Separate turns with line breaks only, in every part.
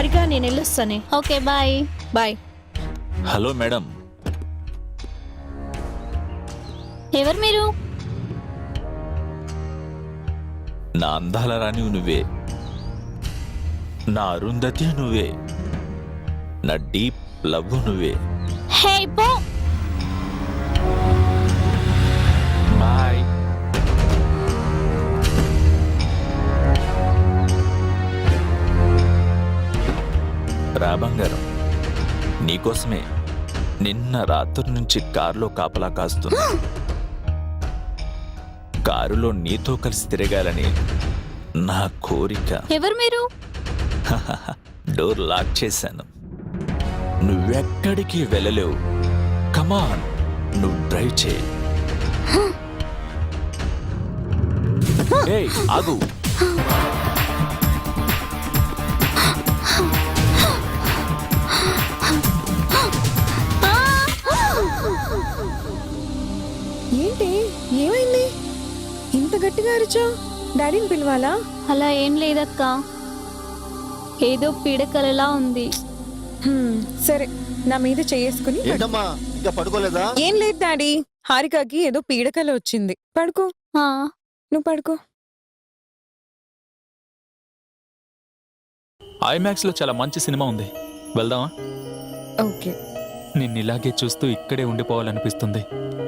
హారిక నేను వెళ్ళొస్తానే.
Okay bye.
Bye.
Hello madam.
ఎవరు మీరు?
నా అందాల రాణి నువ్వే, నా అరుంధతి నువ్వే, నా డీప్ లవ్ నువ్వే.
హే పో.
బాయ్. రా బంగారం, నీకోసమే నిన్న రాత్రి నుంచి కారులో కాపలా కాస్తున్నా. కారులో నీతో కలిసి తిరగాలని నా కోరిక.
ఎవరు మీరు?
డోర్ లాక్ చేశాను, నువ్వెక్కడికి వెళ్ళలేవు. కమాన్, నువ్వు డ్రైవ్ చేయి. ఏయ్, ఆగు.
ఏంటి, ఏమైంది? ఇంత గట్టిగా అరిచావు? డాడీని పిలవాలా?
అలా ఏం లేదక్క, ఏదో పీడకలలా ఉంది.
సరే, నా మీద చేసుకుని
ఏంటమ్మా ఇంకా పడుకోలేదా?
ఏం లేదు డాడీ, హారికకి ఏదో పీడకల వచ్చింది. పడుకో. నువ్వు పడుకో.
ఐమాక్స్ లో చాలా మంచి సినిమా ఉంది, వెళ్దామా?
ఓకే.
నిన్నిలాగే చూస్తూ ఇక్కడే ఉండిపోవాలనిపిస్తుంది.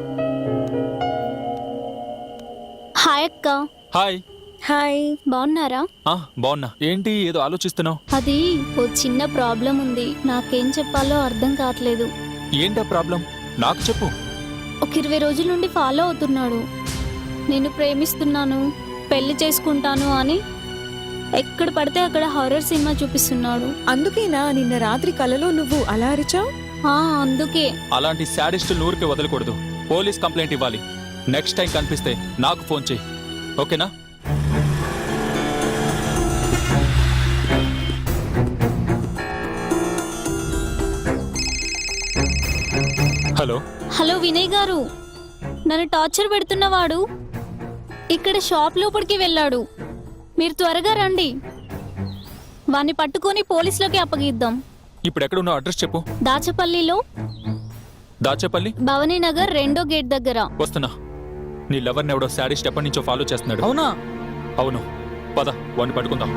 హాయ్ అక్క.
హాయ్.
హాయ్.
బాగున్నారా?
బాగున్నా. ఏంటి ఏదో ఆలోచిస్తున్నావు?
అది ఓ చిన్న ప్రాబ్లం ఉంది, నాకేం చెప్పాలో అర్థం కావట్లేదు.
ఏంటా ప్రాబ్లం? నాకు చెప్పు.
ఒక 20 రోజుల నుండి ఫాలో అవుతున్నాడు. నేను ప్రేమిస్తున్నాను, పెళ్లి చేసుకుంటాను అని ఎక్కడ పడితే అక్కడ హారర్ సినిమా చూపిస్తున్నాడు.
అందుకేనా నిన్న రాత్రి కలలో నువ్వు అలా అరిచావు?
అందుకే.
అలాంటి శాడిస్టులు ఊరికే వదలకూడదు, పోలీస్ కంప్లైంట్ ఇవ్వాలి. నెక్స్ట్ టైం కనిపిస్తే నాకు ఫోన్ చేయి, ఓకేనా? హలో.
హలో వినయ్ గారు, నన్ను టార్చర్ పెడుతున్నవాడు ఇక్కడ షాప్ లోపలికి వెళ్ళాడు. మీరు త్వరగా రండి, వాణ్ణి పట్టుకొని పోలీసులకి అప్పగిద్దాం.
ఇప్పుడు ఎక్కడున్నావు? అడ్రస్ చెప్పు.
దాచపల్లిలో.
దాచేపల్లి,
భవనీ నగర్ 2వ గేట్ దగ్గర.
వస్తున్నా. నీ లవర్ని ఎవడో శాడిస్ట్ ఎప్పటి నుంచో ఫాలో చేస్తున్నాడు.
అవునా?
అవును, పద వాడిని పట్టుకుందాం.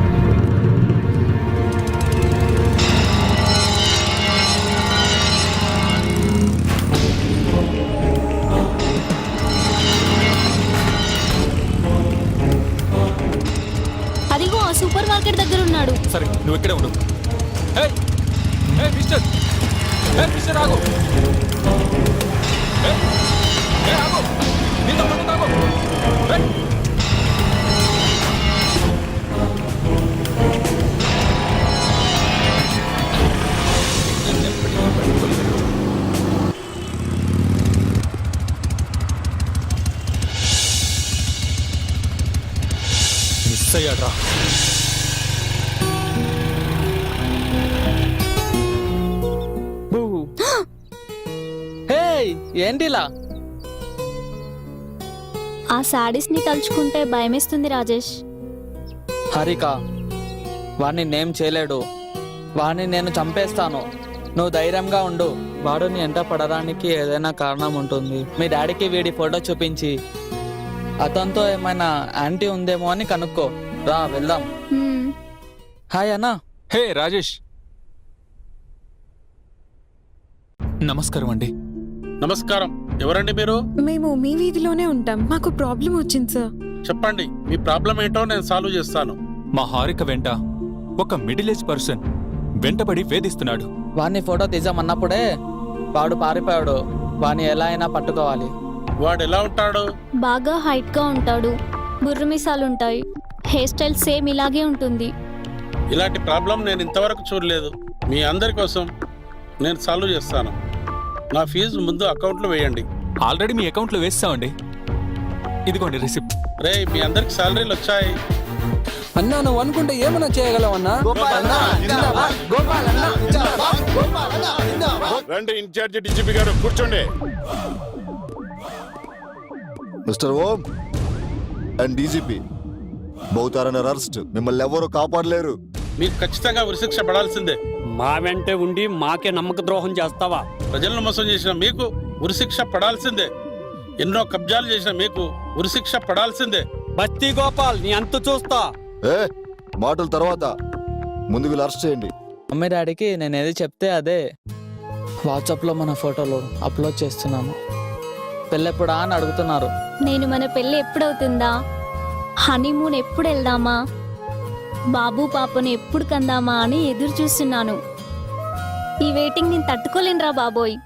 అదిగో ఆ సూపర్ మార్కెట్ దగ్గర ఉన్నాడు.
సరే, నువ్వు ఇక్కడే ఉండు. ఏయ్, ఏయ్ మిస్టర్, ఏయ్ మిస్టర్ ఆగు. ఏయ్, ఏయ్ ఆగు. నీతో పాటు ఆగు. ఏయ్. మిస్ అయ్యాడ్రా.
ఏంటిలా?
ఆ శాడీస్ ని తలుచుకుంటే భయమేస్తుంది రాజేష్.
హారిక, వాడిని నేమ్ చేయలేడు, వాడిని నేను చంపేస్తాను. నువ్వు ధైర్యంగా ఉండు. వాడు నీ ఎంట పడడానికి ఏదైనా కారణం ఉంటుంది. మీ డాడీకి వీడి ఫోటో చూపించి అతనితో ఏమైనా యాంటీ ఉందేమో అని కనుక్కో. రా వెళ్దాం. హాయ్ అన్నా.
హే రాజేష్. నమస్కారం అండి.
నమస్కారం. ఎవరండి మీరు?
మేము మీ వీధిలోనే ఉంటాం. మాకు ప్రాబ్లం వచ్చింది సార్.
చెప్పండి, మీ ప్రాబ్లం ఏంటో నేను సాల్వ్ చేస్తాను.
మా హారిక వెంట ఒక మిడిల్ ఏజ్ పర్సన్ వెంటబడి వేధిస్తున్నాడు.
వాడిని ఫోటో తీసామన్నప్పుడే వాడు పారిపోయాడు. వాడిని ఎలా అయినా పట్టుకోవాలి.
వాడు ఎలా ఉంటాడు?
బాగా హైట్ గా ఉంటాడు, బుర్రమిసాలుంటాయి, హెయిర్ స్టైల్ సేమ్ ఇలాగే ఉంటుంది.
ఇలాంటి ప్రాబ్లం నేను ఇంతవరకు చూడలేదు. మీ అందరి కోసం నేను సాల్వ్ చేస్తాను. నా ఫీజు ముందు అకౌంట్లో వేయండి.
ఆల్రెడీ మీ అకౌంట్లో వేస్తామండి. ఇదిగోండి రిసిప్ట్.
రే, మీ అందరికి సాలరీలు వచ్చాయి.
అన్నా, నువ్వు అనుకుంటే ఏమన్నా చేయగలవన్నా?
రండి, ఇన్ఛార్జి డీజీపీ గారు కూర్చోండి.
Mister Om and DGP, both are under arrest. మిమ్మల్ని ఎవరు కాపాడలేరు.
మీకు ఖచ్చితంగా ఉరిశిక్ష పడాల్సిందే.
మా వెంటే ఉండి మాకే నమ్మక ద్రోహం చేస్తావా?
ప్రజలను మోసం చేసిన మీకు ఉరిశిక్ష పడాల్సిందే. ఎన్నో కబ్జాలు చేసిన మీకు ఉరిశిక్ష పడాల్సిందే.
బస్తీ గోపాల్, నీ అంతు చూస్తా.
ఏ మాటల తర్వాత ముందు వీళ్ళు అరెస్ట్ చేయండి.
మమ్మీ డాడీకి నేను ఏది చెప్తే అదే వాట్సాప్లో మన ఫోటోలు అప్లోడ్ చేస్తున్నాను. పెళ్ళెప్పుడా అని అడుగుతున్నారు.
నేను మన పెళ్ళి ఎప్పుడవుతుందా, హనీమూన్ ఎప్పుడు వెళ్దామా, బాబు పాపను ఎప్పుడు కందామా అని ఎదురు చూస్తున్నాను. ఈ వెయిటింగ్ నేను తట్టుకోలేనురా బాబోయ్.